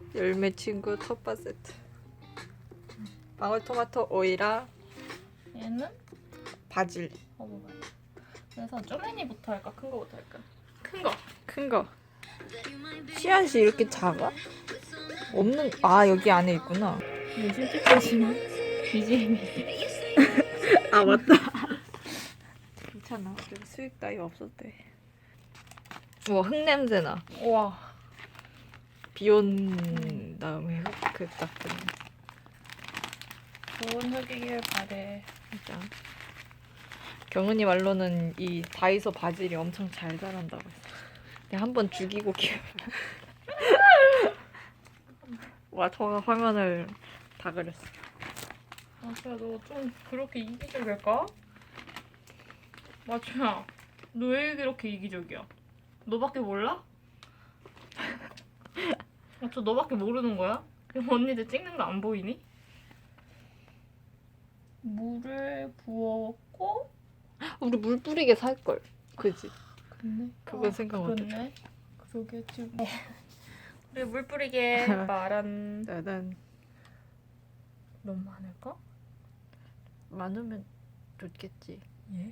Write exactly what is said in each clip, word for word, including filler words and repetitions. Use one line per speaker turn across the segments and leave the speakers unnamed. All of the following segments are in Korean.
열매 친구 텃밭 세트. 방울토마토 오이랑
얘는
바질.
먹어봐요. 그래서 쪼매니부터 할까? 큰 거부터 할까? 큰 거.
큰 거. 씨앗이 이렇게 작아? 없는 아 여기 안에 있구나.
네, 실제까지는 비지엠이.
아 맞다. 괜찮아. 어차피 수익 따위 없어도 돼. 우와 흙 냄새 나.
우와.
비 온 다음에 흙그딱 드네.
좋은 흙이길 바래.
진짜. 경은이 말로는 이 다이소 바질이 엄청 잘 자란다고 했어. 내가 한번 죽이고 키워. 와, 저가 화면을 다 그렸어.
마초야, 너 좀 그렇게 이기적일까? 마초야, 너 왜 그렇게 이기적이야? 너밖에 몰라? 마초, 너밖에 모르는 거야? 그럼 언니들 찍는 거 안 보이니? 물을 부었고.
우리 물 뿌리게 살 걸. 그지?
그네.
그건 생각 못 했다.
그렇네. 그러게 지금. 우리 물 뿌리게 말한.
나는
너무 많을까?
많으면 좋겠지.
예.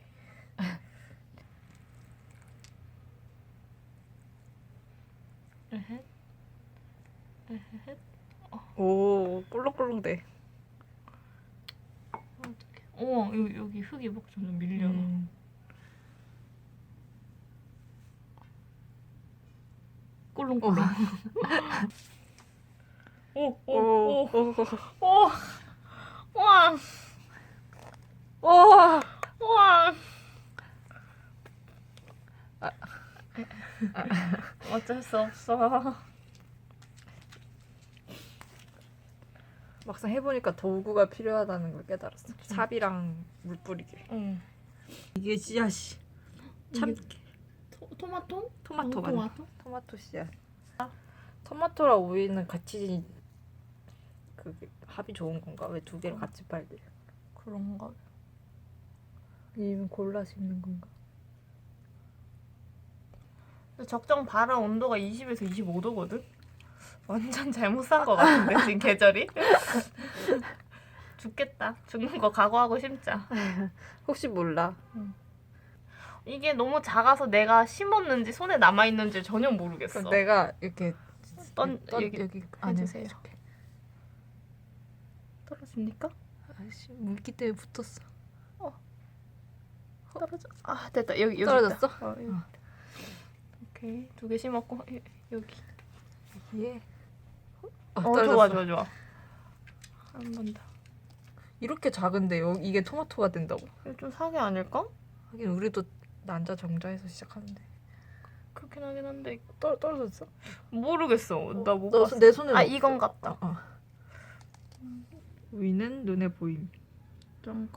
에헷. 에헷.
오, 꿀렁꿀렁대.
어떡해. 어, 여기, 여기 흙이 막 점점 밀려.
음.
꿀렁꿀렁. 오, 오,
오,
오,
오,
오. 와,
오.
와. 어쩔 수 없어.
막상 해보니까 도구가 필요하다는 걸 깨달았어. 삽이랑 물 뿌리게.
응.
이게 씨앗이. 참
토, 토마토?
토마토 맞나?
토마토?
토마토 씨앗. 토마토랑 오이는 같이 그 합이 좋은 건가? 왜 두 개를 같이 팔지?
그런가?
아니면 골라 심는 건가?
적정 발화 온도가 이십에서 이십오 도거든? 완전 잘못 산 거 같은데 지금 계절이? 죽겠다. 죽는 거 각오하고 심자.
혹시 몰라.
이게 너무 작아서 내가 심었는지 손에 남아있는지 전혀 모르겠어.
그럼 내가 이렇게
떤,
떤,
여기,
여기 안에
해주세요.
이렇게.
떨어집니까?
아씨 물기 때문에 붙었어.
떨어져. 아 됐다. 여기 여기
떨어졌어?
있다. 어, 여기.
어.
오케이 두 개 심었고 여- 여기.
예.
어,
떨어졌어.
좋아 좋아 좋아. 한 번 더.
이렇게 작은데 요 이게 토마토가 된다고?
이거 좀 사기 아닐까?
하긴 우리도 난자 정자에서 시작하는데.
그렇긴 하긴 한데
떨 떨어졌어?
모르겠어. 나 못 봤어.
내 손에
아 이건 같다.
어, 어. 위는 눈에 보임.
짱구.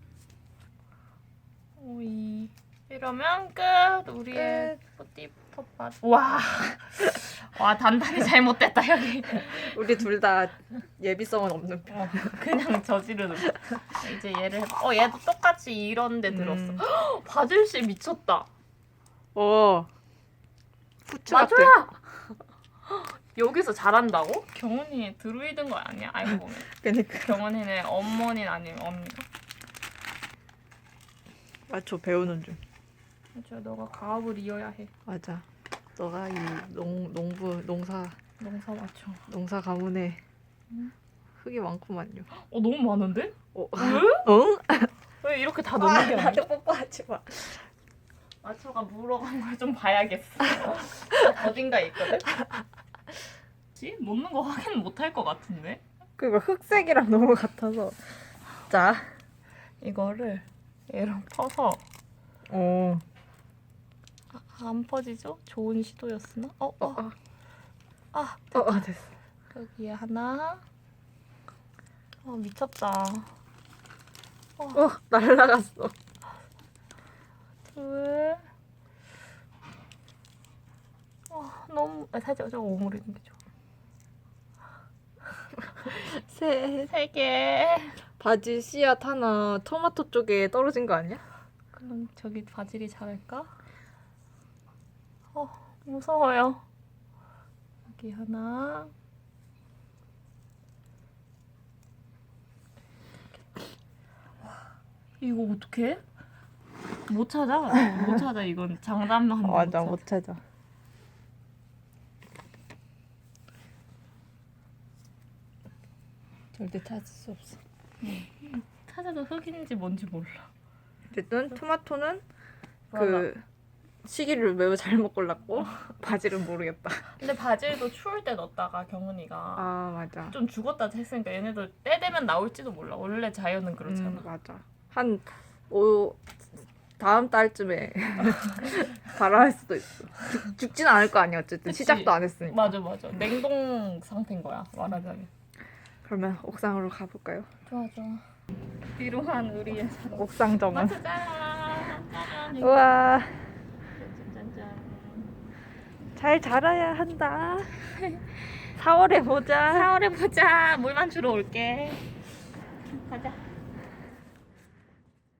오이. 이러면 끝. 우리의 뿌띠 텃밭. 와. 와 단단히 잘못됐다 여기.
우리 둘 다 예비성은 없는 편.
어, 그냥 저지르는 거. 이제 얘를 해봐. 어 얘도 똑같이 이런 데 들었어.
음.
바질씨 미쳤다.
어. 후추 같아.
맞아야. 여기서 잘한다고? 경은이 드루이드인 거 아니야? 알고 보면.
그러니까
경은이는 어머니는 아니면 언니가.
맞죠 배우는 중.
맞아, 너가 가업을 이어야 해.
맞아. 너가 이 농 농부 농사
농사 맞춰.
농사 가문에
응?
흙이 많구만요.
어 너무 많은데?
어?
왜?
응?
왜 이렇게 다 넣는 게 아니야?
나한테 뽀뽀하지 마.
마초가 물어간 걸 좀 봐야겠어. 어딘가에 있거든? 지? 넣는 거 확인 못 할 것 같은데?
그리고 흑색이랑 너무 같아서. 자.
이거를 얘랑 퍼서
어.
아, 안 퍼지죠? 좋은 시도였으나? 어? 어?
어, 어.
아
어, 어 됐어.
여기에 하나. 어 미쳤다.
어, 날라갔어.
둘. 어 너무 아, 살짝 좀 오므리는 게 좋아.
셋.
세 개.
바질 씨앗 하나 토마토 쪽에 떨어진 거 아니야?
그럼 저기 바질이 자랄까? 어 무서워요. 여기 하나. 이거 어떡해? 못 찾아. 못 찾아. 이건 장담만 하는
맞아,
못
못 찾아. 절대 찾을 수 없어.
찾아. 찾아도 흙인지 뭔지 몰라.
어쨌든 토마토는
맞아.
그 시기를 매우 잘못 골랐고 바질은 모르겠다.
근데 바질도 추울 때 넣었다가 경은이가
아 맞아.
좀 죽었다 했으니까 얘네도 때 되면 나올지도 몰라. 원래 자연은 그렇잖아.
음, 맞아. 한 오, 다음 달쯤에 발화할 수도 있어. 죽, 죽진 않을 거 아니야. 어쨌든
그치.
시작도 안 했으니까.
맞아 맞아. 냉동 상태인 거야 말하자면.
그러면 옥상으로 가볼까요?
좋아 좋아. 비로한 우리의 사랑.
옥상 정원.
마트 짠. 짜잔.
우와,
짠짠짠.
잘 자라야 한다. 사월에 보자.
사월에 보자. 물만 주러 올게. 가자.